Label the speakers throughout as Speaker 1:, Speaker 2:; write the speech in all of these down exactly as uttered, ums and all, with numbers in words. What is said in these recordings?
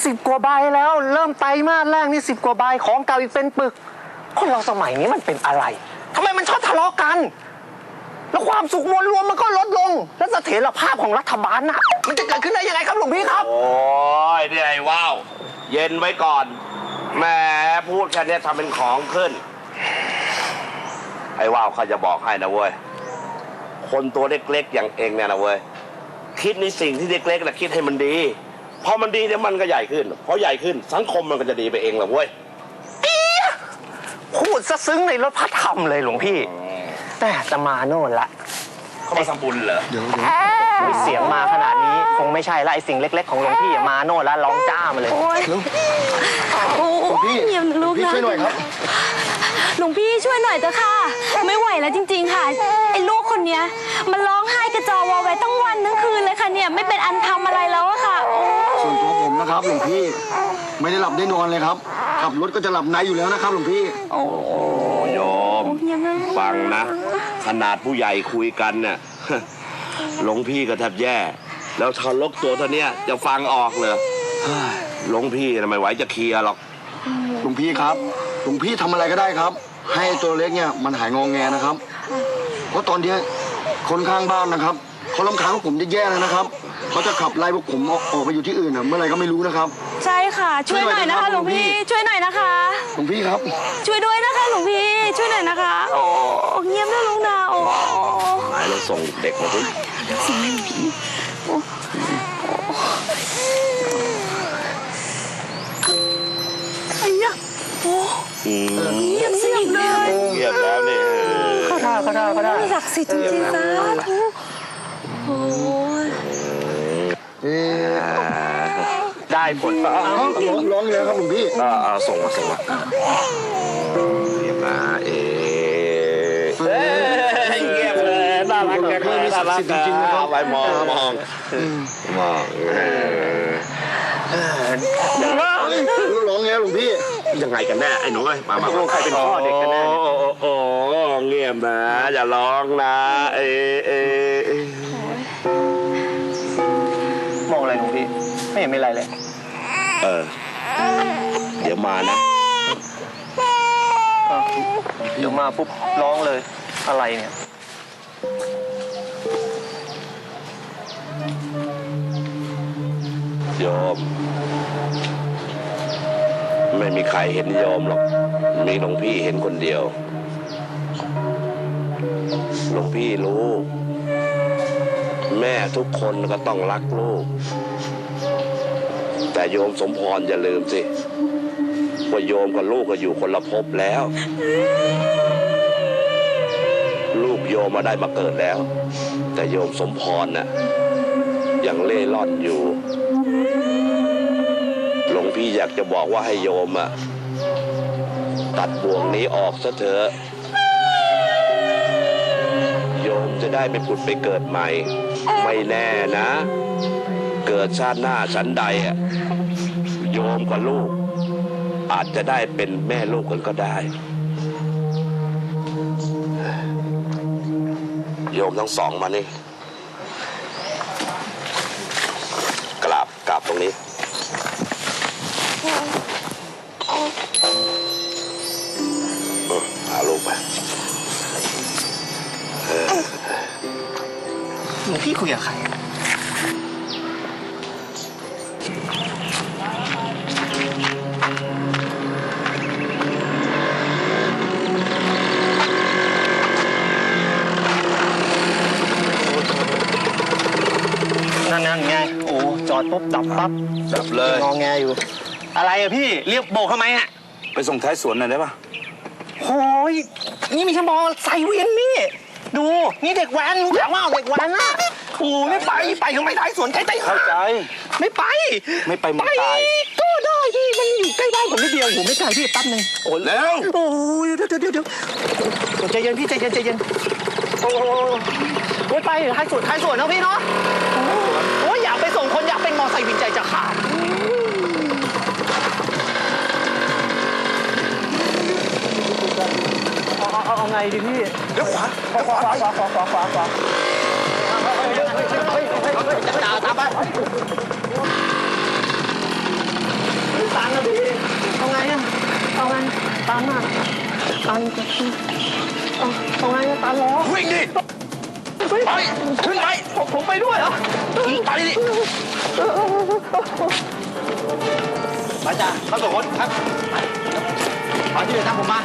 Speaker 1: สิบกว่าใบแล้วเริ่มไตรมาสแรกนี่สิบกว่าใบของเก่าอีกเป็นปึกคนเราสมัยนี้มันเป็นอะไรทำไมมันชอบทะเลาะกันแล้วความสุขมวลรวมมันก็ลดลงแล้วเสถียรภาพของรัฐบาลน่ะมันจะเกิดขึ้นได้ยังไงครับหลวงพี่ครับ
Speaker 2: โอ้ยนี่ไอ้ว้าวเย็นไว้ก่อนแหมพูดแค่นี้ทำเป็นของขึ้นไอ้ว้าวเขาจะบอกให้นะเว้ยคนตัวเล็กๆอย่างเองเนี่ยนะเว้ยคิดในสิ่งที่เล็กๆนะคิดให้มันดีพอมันดีเนี่ยมันก็ใหญ่ขึ้นพอใหญ่ขึ้นสังคมมันก็จะดีไปเองแหละเว้ย
Speaker 1: พูดซะซึ้งในรถพระธรรมเลยหลวงพี่แต่จะมาโน่นละ
Speaker 2: เขามาทำบุญเหรอ
Speaker 1: เดี๋ยวเสียงมาขนาดนี้คงไม่ใช่ละไอสิ่งเล็กๆของหลวงพี่มาโน่นแล้วร้องจ้ามาเลย
Speaker 3: หลวงพี่หลวงพี่ช่วยหน่อยครับหลวงพี่ช่วยหน่อยเถอะค่ะไม่ไหวแล้วจริงๆค่ะไอ้ลูกคนเนี้ยมันร้องไห้กระจอวอไว้ตั้งวันทั้งคืนเลยค่ะเนี่ยไม่เป็นอันทำอะไรแล้วอะค่ะ
Speaker 4: ส่วนตัวผมนะครับหลวงพี่ไม่ได้หลับได้นอนเลยครับขับรถก็จะหลับในอยู่แล้วนะครับหลวงพี่
Speaker 2: โอ้โยมฟังนะขนาดผู้ใหญ่คุยกันเนี่ยหลวงพี่ก็แทบแย่แล้วทารกตัวเท่านี้จะฟังออกเลยหลวงพี่ไม่ไหวจะเคลียร์หรอก
Speaker 4: หลวงพี่ครับหลวงพี่ทำอะไรก็ได้ครับให้ตัวเล็กเนี่ยมันหายงองแงนะครับเพราะตอนนี้คนข้างบ้านนะครับเขาลำคาญพวกผมจะแย่เลยนะครับเขาจะขับไล่พวกผมออกไปอยู่ที่อื่นเมื่อไรก็ไม่รู้นะครับ
Speaker 3: ใช่ค่ะช่วยหน่อยนะคะหลวงพี่ช่วยหน่อยนะคะ
Speaker 4: หลวงพี่ครับ
Speaker 3: ช่วยด้วยนะคะหลวงพี่ช่วยหน่อยนะคะโอ้เงียบนะลุงนาโอ้
Speaker 2: หายแล้วส่งเด็กมาดิ
Speaker 3: ส่งให้หลวงพี่โอ้ไอ้ยะโอ้เงียบสิเลย
Speaker 2: เงียบแล้วนี่
Speaker 1: ก็ได้ก็ได้ก็ได้
Speaker 3: ศักดิ์สิทธิ์จริงๆนะโอ้ย
Speaker 1: ได้ผล
Speaker 4: ร้องร้องเลยครับหลวงพี่
Speaker 2: อ่าส่งมาส่งมาเงียบนะเอ๊เงียบเลยน่ารักแค่น่ารักจริงๆนะครับไปมองมองมอง
Speaker 4: ร้องไงหลวงพี่
Speaker 2: ยังไงกันแน่ไอ้หนูเอ้ยมามา
Speaker 1: ใครเป็นพ่อเด็กกันแน่
Speaker 2: โอ้เงียบนะอย่าร้องนะเอ๊เอ๊
Speaker 1: มองอะไรหลวงพี่ไม่เห็นมีอะไรเลย
Speaker 2: เออเดี๋ยวมานะ
Speaker 1: เดี๋ยวมาปุ๊บร้องเลยอะไรเนี่ย
Speaker 2: โยมไม่มีใครเห็นโยมหรอกมีหลวงพี่เห็นคนเดียวหลวงพี่รู้แม่ทุกคนก็ต้องรักลูกแต่โยมสมพรอย่าลืมสิว่าโยมกับลูกก็อยู่คนละภพแล้วลูกโยมมาได้มาเกิดแล้วแต่โยมสมพรน่ะยังเล่ร่อนอยู่หลวงพี่อยากจะบอกว่าให้โยมอ่ะตัดบ่วงนี้ออกซะเถอะโยมจะได้ไปผุดไปเกิดใหม่ไม่แน่นะเกิดชาติหน้าชั้นใดอ่ะโยมกับลูกอาจจะได้เป็นแม่ลูกกันก็ได้โยมทั้งสองมานี่กราบกราบตรงนี้พาลูกไป
Speaker 1: หลวงพี่คุยกับใครนั่นไงโอ้จอดปุ๊บดับปั๊บ
Speaker 2: ดับเลย
Speaker 1: งอแงอยู่อะไรอะพี่เรียกโบกทำไมอะ
Speaker 2: ไปส่งท้ายสวนหน่อยได้ปะ
Speaker 1: โอ้ยนี่มีชั่วโมงใส่เวียนนี่ดูนี่เด็กแว้นอยากว่าเด็กแว้นอะโอ้ไม่ไปไปทำไมท้ายสวนใกล้ใต้
Speaker 2: เข้าใจ
Speaker 1: ไม่ไป
Speaker 2: ไม่ไปไม่ตาย
Speaker 1: ก็ได้พี่มันอยู่ใกล้บ้านผมนิดเดียวผมไม่ไกลพี่แป๊บนึง
Speaker 2: โอ้แล้ว
Speaker 1: โอ้ยเดี๋ยวเดี๋ยวเดี๋ยวเดี๋ยวใจเย็นพี่ใจเย็นใจเย็นโอ้โหไปท้ายสวนท้ายสวนนะพี่เนาะโอ้ยอยากไปส่งคนอยากเป็นมอไซค์วินใจจะขาดเอาเอาเอาไงดีพี่
Speaker 2: เดี๋ยวขวา
Speaker 1: ขวาขวาขวาขวาขวาขวาขวาจ่าตามไปตันจะเอาเอาไงตันเหรอ
Speaker 2: วิ่งดิไปขึ้นไป
Speaker 1: ผมผมไปด้วยเหรอ
Speaker 2: ไปดิ
Speaker 1: มาจ้าเข้าสองคนครับมาที่เรือตามผมมา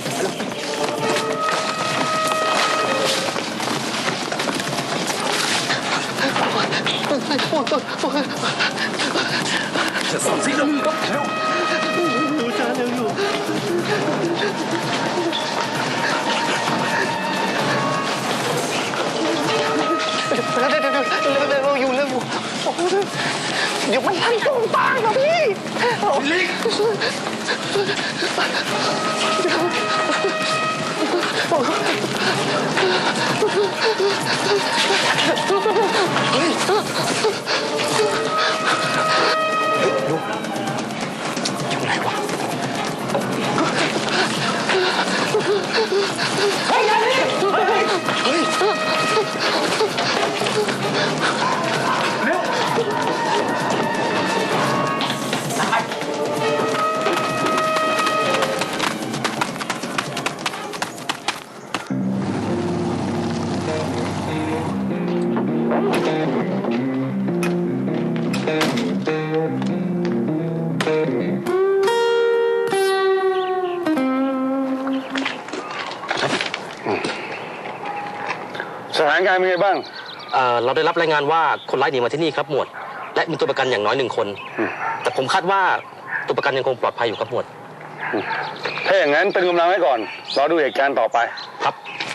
Speaker 2: จะสั่งสิแล้วเร็ว
Speaker 1: อยู่จ้าเร็วอยู่เดี๋ยวเดี๋ยวเดี๋ยวเร็วอยู่เร็วอยู่เดี๋ยวมันทันตรงตางนะพี่
Speaker 2: ลิก
Speaker 1: อยู่ไหนวะเฮ้ยอย่าดิเฮ้ยเฮ้ยเร็ว
Speaker 5: สถานการณ์เป็นไงบ้าง
Speaker 6: เอ่อเราได้รับรายงานว่าคนร้ายหนีมาที่นี่ครับหมวด และมีตัวประกันอย่างน้อยหนึ่งคน แต่ผมคาดว่าตัวประกันยังคงปลอดภัยอยู่ครับหมวด
Speaker 5: ถ้าอย่างนั้นตึงกำลังไว้ก่อน รอดูเหตุการณ์ต่อไป
Speaker 6: ครับ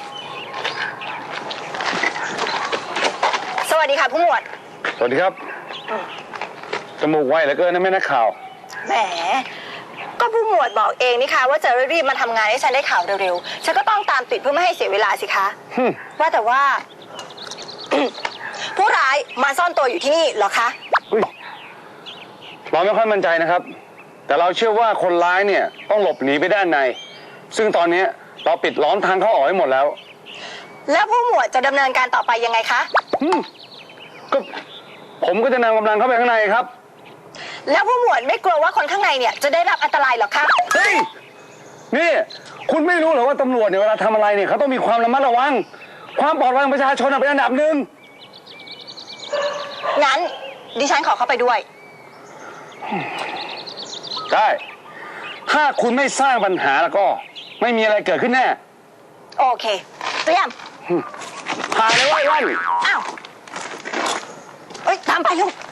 Speaker 7: สวัสดีค่ะผู้หมวด
Speaker 5: สวัสดีครับ จมูกไวเหลือเกินนะแม่นักข่าว
Speaker 7: แหม ก็ผู้หมวดบอกเองนี่คะว่าจะรีบมาทำงานให้ฉันได้ข่าวเร็วๆ ฉันก็ต้องตามติดเพื่อไม่ให้เสียเวลาสิคะ
Speaker 5: ฮึ่ม
Speaker 7: ว่าแต่ว่า ผู้ร้ายมาซ่อนตัวอยู่ที่นี่เหรอคะ
Speaker 5: อุ๊ยเราไม่ค่อยมั่นใจนะครับ แต่เราเชื่อว่าคนร้ายเนี่ยต้องหลบหนีไปด้านใน ซึ่งตอนนี้เราปิดล้อมทางเข้าออกให้หมดแล้ว
Speaker 7: แล้วผู้หมวดจะดำเนินการต่อไปยังไงคะ
Speaker 5: ฮึ่มก็ผมก็จะนำกำลังเข้าไปข้างในครับ
Speaker 7: แล้วผู้หมวดไม่กลัวว่าคนข้างในเนี่ยจะได้รับอันตรายเหรอคะ
Speaker 5: เฮ้ย นี่ คุณไม่รู้เหรอว่าตำรวจเนี่ยเวลาทำอะไรเนี่ยเขาต้องมีความระมัดระวัง ความปลอดภัยของประชาชนเป็นอันดับหนึ่ง
Speaker 7: งั้นดิฉันขอเข้าไปด้วย
Speaker 5: ได้ ถ้าคุณไม่สร้างปัญหาแล้วก็ไม่มีอะไรเกิดขึ้นแน่
Speaker 7: โอเค เตรียม
Speaker 5: ถ่ายเลยไว้วัน
Speaker 7: อ้าว เอ้ย ตามไปลูก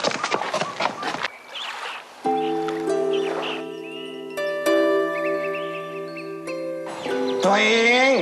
Speaker 1: ตัวเอง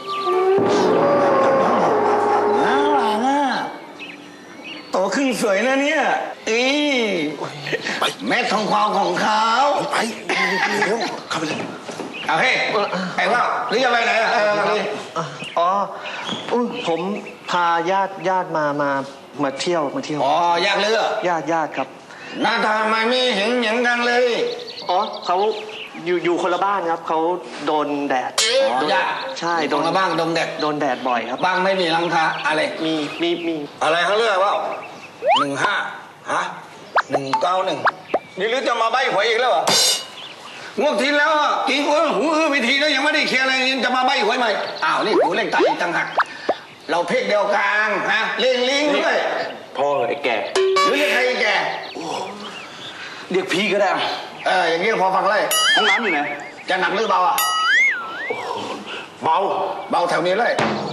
Speaker 1: น่ารักอ่ะโตขึ้นสวยนะเนี่ยอีแม่ทองควาวของเขาไปเร็วเข้าไปเลยเอาเฮ้ไอ้ว่าหรือจะไปไหนอ่ะเออนี่อ๋ออุ้ยผมพาญาติญาติมามามาเที่ยวมาเที่ยว
Speaker 8: อ๋อญาติเลือ
Speaker 1: ญาติญาติครับ
Speaker 8: หน้าตาไม่มีเห็นเหมือนกันเลย
Speaker 1: อ๋อเขาอยู่อยู่คนละบ้านครับเขาโดนแดด
Speaker 8: อ๋อญาติ
Speaker 1: ใช่
Speaker 8: ตรงละบ้างดงเด็ก
Speaker 1: โดนแดดบ่อยครับ
Speaker 8: บ้างไม่มีหลังคาอะไร
Speaker 1: มีมีมี
Speaker 8: อะไรเขาเลือกว่าหนึ่งห้าฮะหนึ่งเก้าหนึ่งนี่หรือจะมาใบหวยอีกแล้วเหรองวดที่แล้วอ่ะกี่คนหูอื้อไปทีแล้วยังไม่ได้เคลียร์อะไรยังจะมาใบหวยใหม่อ้าวนี่หูเล่งตายอีกต่างหากเราเพกเดียวกันฮะเล่งลิงด้วย
Speaker 6: พ่อไอ้แก
Speaker 8: หรือเรียกใครแก
Speaker 6: เรียกพี่ก็ได้
Speaker 8: เอออย่างนี้พอฟังเลย
Speaker 6: ห้องน้ำอยู่ไหน
Speaker 8: จะหนักหรือเบาอ่ะ
Speaker 6: เบา
Speaker 8: เบาแถวนี้เลย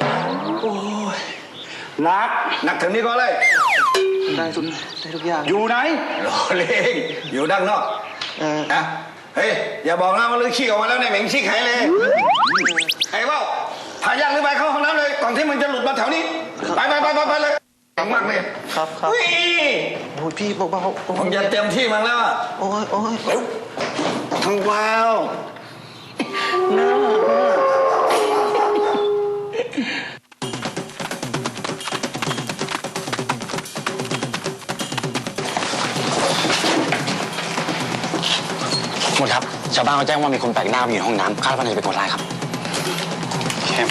Speaker 6: หนัก
Speaker 8: หนักแถวนี้ก็เลย
Speaker 1: ได้ทุกได้ทุกอย่าง
Speaker 6: อยู่ไหน
Speaker 8: รอเล่งอยู่ด้านนอก
Speaker 1: เออ
Speaker 8: นะเฮ้ยอย่าบอกนะว่าลือขี้ออกมาแล้วในยเหม็นขี้ไข่เลยไอ้เบ้าพาญาติลือไปเข้าห้องน้ำเลยก่อนที่มึงจะหลุดมาแถวนี้ไปไปไปไปไปเลยเก่งมากเลย
Speaker 1: ครับครับ
Speaker 8: เฮ้ย
Speaker 1: โอ้ยพี่เบาๆโอ้
Speaker 8: ผม
Speaker 1: ย
Speaker 8: จะเตรียมที่มาแล้วอะ
Speaker 1: โอ้ยโอ้ย
Speaker 8: เร็วทางวาว
Speaker 9: หมดครับ ชาวบ้านเขาแจ้งว่ามีคนแปลกหน้ามาอยู่ในห้องน้ำคาดว่าน่าจะเป็นคนร้ายครับเข้ม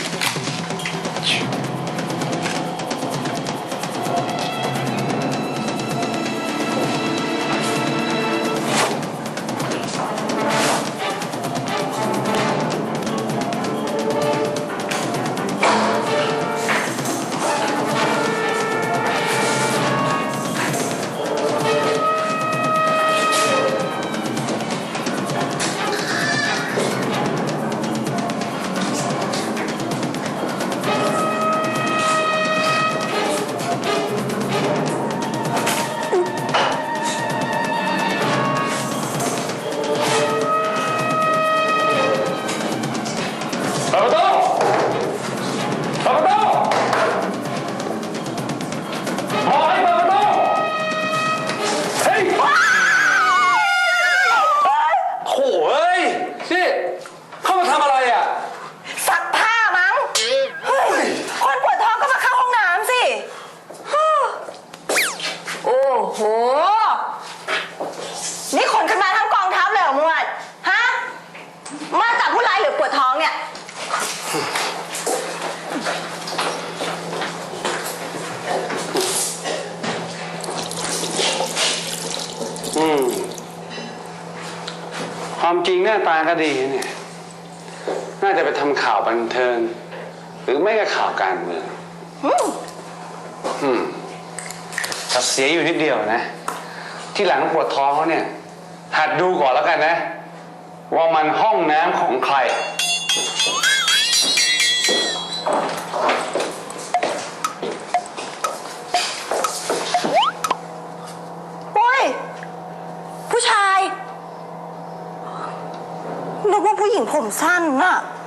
Speaker 7: มาจากผู้ร้ายหรือปวดท้องเนี่ย
Speaker 5: อืมความจริงหน้าตาก็ดีเนี่ย น่าจะไปทำข่าวบันเทิง หรือไม่ก็ข่าวการเมืองอืมแต่เสียอยู่นิดเดียวนะ ที่หลังปวดท้องเขาเนี่ย หัดดูก่อนแล้วกันนะ ว่ามันห้องน้ำของใคร
Speaker 7: โอ้ย ผู้ชายนึกว่าผู้หญิงผมสั้นน่ะ